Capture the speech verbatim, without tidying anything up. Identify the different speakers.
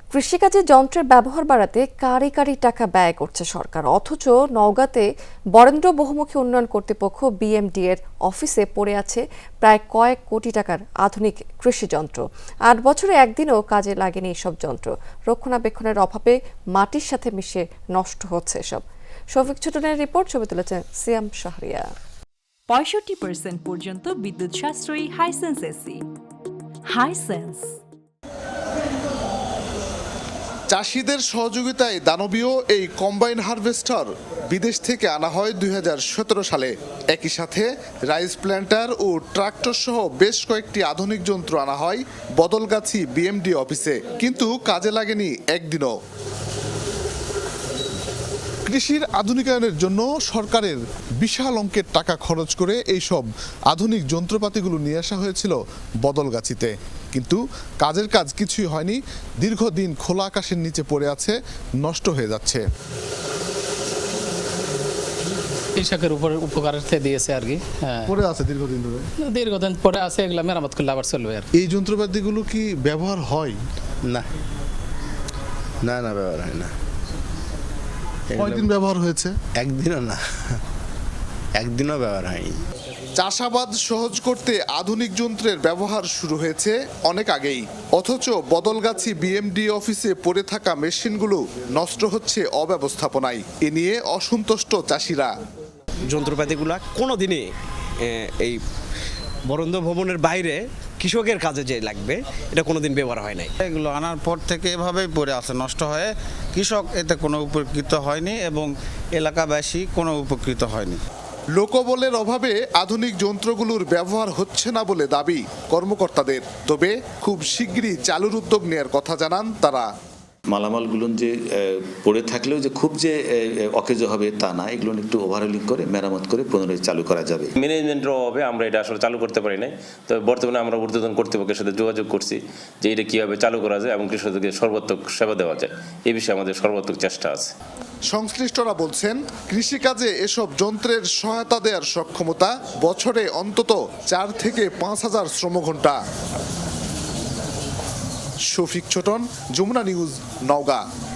Speaker 1: কৃষিকাজে যন্ত্রের ব্যবহার বাড়াতে কারি কারি টাকা ব্যয় করছে সরকার, অথচ নওগাঁতে বরেন্দ্র বহুমুখী উন্নয়ন কর্তৃপক্ষ বিএমডি এর অফিসে পড়ে আছে প্রায় কয়েক কোটি টাকার আধুনিক কৃষি যন্ত্র। আট বছরে একদিনও কাজে লাগেনি এসব যন্ত্র। রক্ষণাবেক্ষণের অভাবে মাটির সাথে মিশে নষ্ট হচ্ছে এসব। শফিক ছোটনের রিপোর্ট, ছবি তুলেছেন সিয়াম শাহরিয়া।
Speaker 2: পঁয়ষট্টি পার্সেন্ট পর্যন্ত বিদ্যুৎ সাশ্রয়ী হাইসেন্স এসি। হাইসেন্স
Speaker 3: চাষিদের সহযোগিতায় দানবীয় এই কম্বাইন হারভেস্টার বিদেশ থেকে আনা হয় দুই হাজার সতেরো সালে। একই সাথে রাইস প্ল্যান্টার ও ট্রাক্টর সহ বেশ কয়েকটি আধুনিক যন্ত্র আনা হয় বদলগাছি বিএমডি অফিসে, কিন্তু কাজে লাগেনি একদিনও। কৃষির আধুনিকায়নের জন্য সরকারের বিশাল অঙ্কের টাকা খরচ করে এইসব আধুনিক যন্ত্রপাতিগুলো নিয়ে আসা হয়েছিল বদলগাছিতে, কিন্তু কাজের কাজ কিছুই হয়নি। দীর্ঘদিন খোলা আকাশের নিচে পড়ে আছে, নষ্ট হয়ে যাচ্ছে।
Speaker 4: কৃষকের উপর উপকারার্থে দিয়েছে আর কি। হ্যাঁ,
Speaker 3: পড়ে আছে দীর্ঘদিন ধরে
Speaker 4: দীর্ঘদিন পরে আছে, এগুলো মেরামত করলে আবার চলবে আর।
Speaker 3: এই যন্ত্রপাতিগুলো কি ব্যবহার হয়?
Speaker 5: না না না ব্যবহার হয় না।
Speaker 3: কয়দিন ব্যবহার হয়েছে?
Speaker 5: একদিনও না, একদিনও ব্যবহার হয়নি।
Speaker 3: চাষাবাদ সহজ করতে আধুনিক যন্ত্রের ব্যবহার শুরু হয়েছে অনেক আগেই, অথচ বদলগাছি বিএমডি অফিসে পড়ে থাকা মেশিনগুলো নষ্ট হচ্ছে অব্যবস্থাপনায়। এ নিয়ে অসন্তুষ্ট চাষিরা।
Speaker 6: যন্ত্রপাতিগুলা কোনো দিনই এই বরেন্দ্র ভবনের বাইরে কৃষকের কাজে যে লাগবে এটা কোনোদিন ব্যবহার হয় নাই।
Speaker 7: এগুলো আনার পর থেকে এভাবেই পড়ে আছে, নষ্ট হয়ে কৃষক এতে কোনো উপকৃত হয়নি এবং এলাকাবাসী কোনো উপকৃত হয়নি।
Speaker 3: লোকবলের অভাবে আধুনিক যন্ত্রগুলোর ব্যবহার হচ্ছে না বলে দাবি কর্মকর্তাদের। তবে খুব শিগগিরই চালুর উদ্যোগ নেওয়ার কথা জানান তারা।
Speaker 8: মালামালগুলো যে পড়ে থাকলেও যে খুব যে অকেজো হবে তা না, এগুলো একটু ওভারহোলিং করে মেরামত করে পুনরায় চালু করা যাবে।
Speaker 9: ম্যানেজমেন্টের অভাবে আমরা এটা আসলে চালু করতে পারি নাই। তবে বর্তমানে আমরা ঊর্ধ্বতন কর্তৃপক্ষের সাথে যোগাযোগ করছি যে এটা কীভাবে চালু করা যায় এবং কৃষকদেরকে সর্বাত্মক সেবা দেওয়া যায়, এই বিষয়ে আমাদের সর্বাত্মক চেষ্টা আছে।
Speaker 3: সংশ্লিষ্টরা বলছেন, কৃষিকাজে এসব যন্ত্রের সহায়তা দেওয়ার সক্ষমতা বছরে অন্তত চার থেকে পাঁচ হাজার শ্রমঘণ্টা। শফিক ছোটন, যমুনা নিউজ, নওগাঁ।